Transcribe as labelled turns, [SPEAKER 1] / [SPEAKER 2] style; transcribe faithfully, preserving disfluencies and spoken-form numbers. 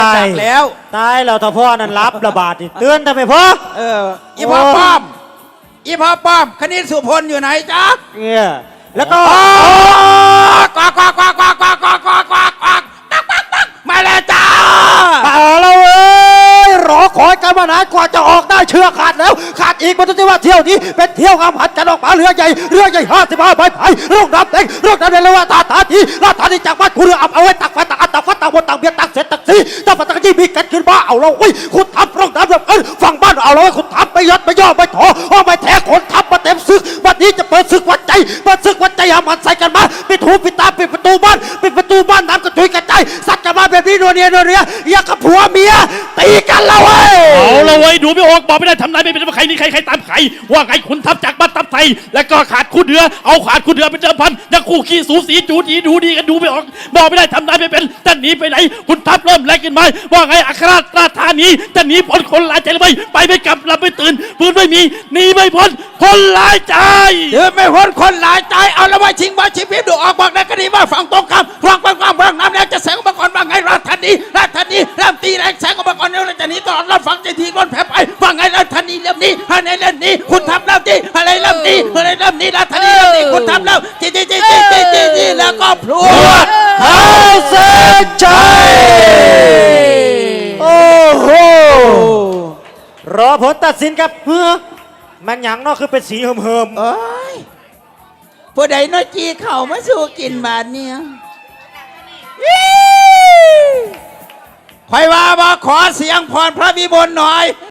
[SPEAKER 1] จากแล้ว
[SPEAKER 2] ตายแล้วถ้าพ่อนั้นรับระบาดนี่เตือนทำไมพ่อ
[SPEAKER 1] เอออีพ่อป้อมอีพ่อป้อมคณิตสุพลอยู่ไหนจ๊ะ
[SPEAKER 2] เนี่ยแล้วก็
[SPEAKER 1] กวากกวากกวากกวากกวากกวากกวากกวากกวากตักตักตักมาแล้วจ้า
[SPEAKER 2] เอาแล้วเว้ยรอคอยกันมานานกว่าจะออกได้เชื่อขาดแล้วขาดอีกมันจะว่าเที่ยวนี้เป็นเที่ยวงามหันกันออกมาเรือใหญ่เรือใหญ่ห้าสิบห้าใบไผ่เรื่องน้ำเต็งเรื่องน้ำเต็งเลยว่าตาตาทีลาตาทีจากบ้านคุณเรืออับเอาไว้ตักไฟตักอันตักฟัดตักบนตักเบียร์ตักเสร็จตักซีตักฟัดตักยี่มีกันขึ้นมาเอาเราเว้ยคุณทำเรื่องน้ำแบบเออฝั่งบ้านเอาเราไว้คุณทำไม่ยัดไม่ย่อไม่ถออ้อไม่แท้คนทำมาเต็มซึกวันนี้จะเปิดซึกวัดใจเปิดซึกวัดใจหามันใส่กันมาปิดหูปิดตาปิดประตูบ้านปิดประตูบ้านน้ำกระจุยกระจายสัตว์กันมาแบบนี้นัวเนียนัวเนียอยากกับผัวเมียตีกันแล้วเว้ย
[SPEAKER 3] เอาละเว้ยดูไม่ออกบอกไม่ได้ทำนายไม่เป็นว่าใครนี่ใครใครตามใครว่าไงขุนทัพจากบ้านทัพไทยแล้วก็ขาดคู่เดือเอาขาดคู่เดือเป็นเดิมพันยังคู่ขี้สูสีจูดีดูดีกันดูไม่ออกบอกไม่ได้ทำนายไม่เป็นจะหนีไปไหนขุนทัพเริ่มแรงขึ้นมาว่าไงอัครราชธานีจะหนีพ้นคนร้ายใจหรือไม่ไปไม่กลับหลับไม่ตื่นปืนไม่มีหนีไม่พ้นคนร้ายใจ
[SPEAKER 1] เดือไม่พ้นคนร้ายใจเอาละไว้ชิงบ้าชิงพิบดูออกบอกได้ก็ดีว่าฝั่งตรงข้ามฝั่งฝั่งฝั่งฝั่งน้ำแรงจะแสงอุปกรณ์ว่าไงราชธานีราชธานีเริ่มตีแรงแสงอุปกรณ์แล้วจะหนีตลอดรอดฝั่งจะทีก้นแผลไปว่าไงราชธานีเริ่มนี้อะไรเริ่มนี้คุณทำเริ่มนี้อะไรเริ่มนี้อะไรเริ่มนี้ราชธานีเริ่มนี้คุณทำเริ่มจีจีจีจีจีจีจีแล้วก็พลวด
[SPEAKER 2] เข้าเส้นชัยโอ้โหรอผลตัดสินครับเฮ้อมันหยังเนาะคือเป็นสีเหิมๆ
[SPEAKER 1] เอ้ยผู้ใดน้อยจีเข่ามาสู่กินบาดเนี่ยคอยว่าบอกขอเสียงพรพระวิมลหน่อย